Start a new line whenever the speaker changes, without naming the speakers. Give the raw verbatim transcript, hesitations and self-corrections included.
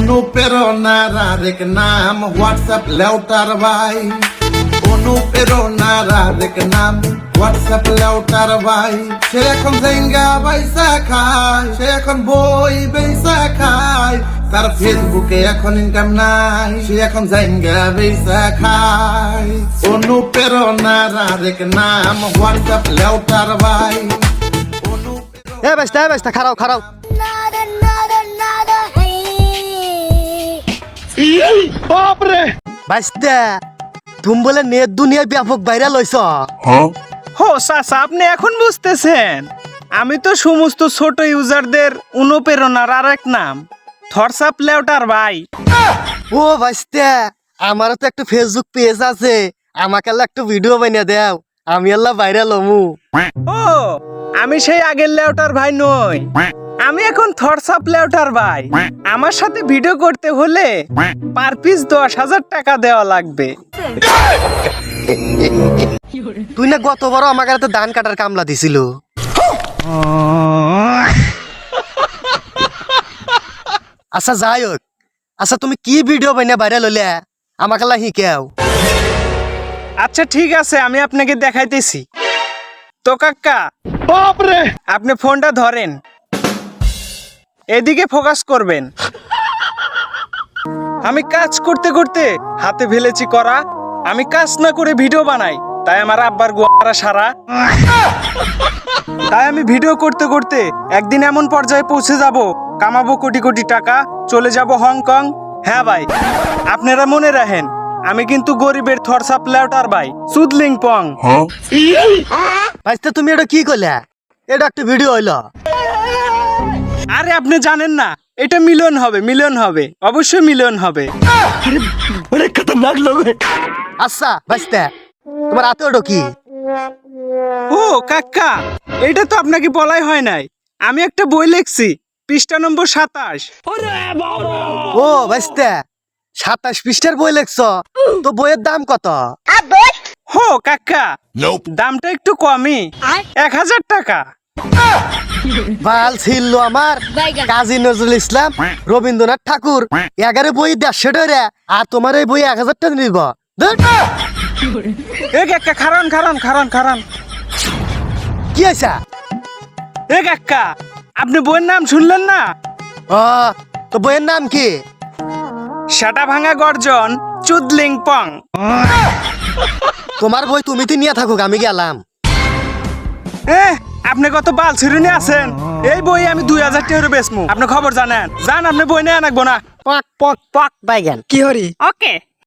অনুপ্রেরণার আরেক নাম হোয়াটসঅ্যাপ লেউটার ভাই। অনুপ্রেরণার আরেক নাম হোয়াটসঅ্যাপ লেউটার ভাই। সে এখন জেঙ্গা বাইসা খায়, সে এখন বই বেসা খায়, তার ফেসবুকে এখন ইনকাম নাই, সে এখন জেঙ্গা বেসা খায়। অনুপ্রেরণার আরেক নাম হোয়াটসঅ্যাপ লেউটার ভাই।
এ বেস্তা এ বেস্তা খারাও খারাও
বাপরে
বাইস্তা তুমি বলে নেট দুনিয়ায় ব্যাপক ভাইরাল হইছ।
হো চাচা, আপনি এখন বুঝতেছেন? আমি তো সমস্ত ছোট ইউজারদের অনুপ্রেরণার আর এক নাম হোয়াটসঅ্যাপ লেউটার ভাই।
ও বাইস্তা আমারও তো একটা ফেসবুক পেজ আছে, আমাকে আল্লাহ একটা ভিডিও বানিয়ে দাও, আমি আল্লাহ ভাইরাল হমু।
ও আমি সেই আগের লেউটার ভাই নই, আমি এখন হোয়াটসঅ্যাপ লেউটার ভাই। আমার সাথে ভিডিও করতে হলে পার পিস দশ হাজার টাকা দেওয়া লাগবে।
তুই না গত বড় আমার কাছে ধান কাটার কামলা দিছিল। আচ্ছা যাই হোক, আচ্ছা তুমি কি ভিডিও বানিয়ে ভাইরাল হলে আমাকে আল্লাহ শিখাও।
আচ্ছা ঠিক আছে, আমি আপনাকে দেখাইতেছি। তো কাকা,
বাপরে
আপনি ফোনটা ধরেন, এদিকে ফোকাস করবেন। আমি কাজ করতে করতে হাতে ফেলেছি করা, আমি কাজ না করে ভিডিও বানাই, তাই আমার আব্বার গোয়ারা সারা। তাই আমি ভিডিও করতে করতে একদিন এমন পর্যায়ে পৌঁছে যাব, কামাবো কোটি কোটি টাকা, চলে যাব হংকং। হ্যাঁ ভাই, আপনারা মনে রাখেন, আমি কিন্তু গরিবের হোয়াটসঅ্যাপ লেউটার ভাই, সুদলিং পং।
বাইস্তা তুমি এটা কি করলে? এটা একটা ভিডিও হইলো।
আরে আপনি জানেন না, এটা মিলিয়ন হবে, মিলিয়ন হবে, অবশ্যই মিলিয়ন হবে।
অনেক খতরনাক লোক।
আচ্ছা বাইস্তা তোমার হাতে ওটা কি?
ও কাকা, এটা তো আপনাকে বলাই হয় নাই, আমি একটা বই লিখছি, পৃষ্ঠা নম্বর সাতাশ।
ও বাইস্তা সাতাশ পৃষ্ঠার বই লেখছ, তো বইয়ের দাম কত?
হো কাকা, দামটা একটু কমই, এক হাজার টাকা।
বাল ছিল আমার কাজী নজরুল ইসলাম, রবীন্দ্রনাথ ঠাকুর, এগারো বই দেড়শো টাকা, আর তোমার এই বই এক হাজার টাকা নিব।
এ কাকা, খারান খারান খারান খারান।
কি হয়েছে?
এ কাকা, আপনি বইয়ের নাম শুনলেন না?
ও তো বইয়ের নাম কি?
সাটা ভাঙা গর্জন চুদলিং পং।
তোমার বই তুমি তো নিয়ে থাকুক, আমি গেলাম।
এ আপনি কত বাল ছিরুনি আছেন, এই বই আমি দুই হাজার টাকা বেচমু, আপনি খবর জানেন? জান, আপনি বই নিয়ে আনবো না।
পক পক পক বাইগান
কি হরি? ওকে।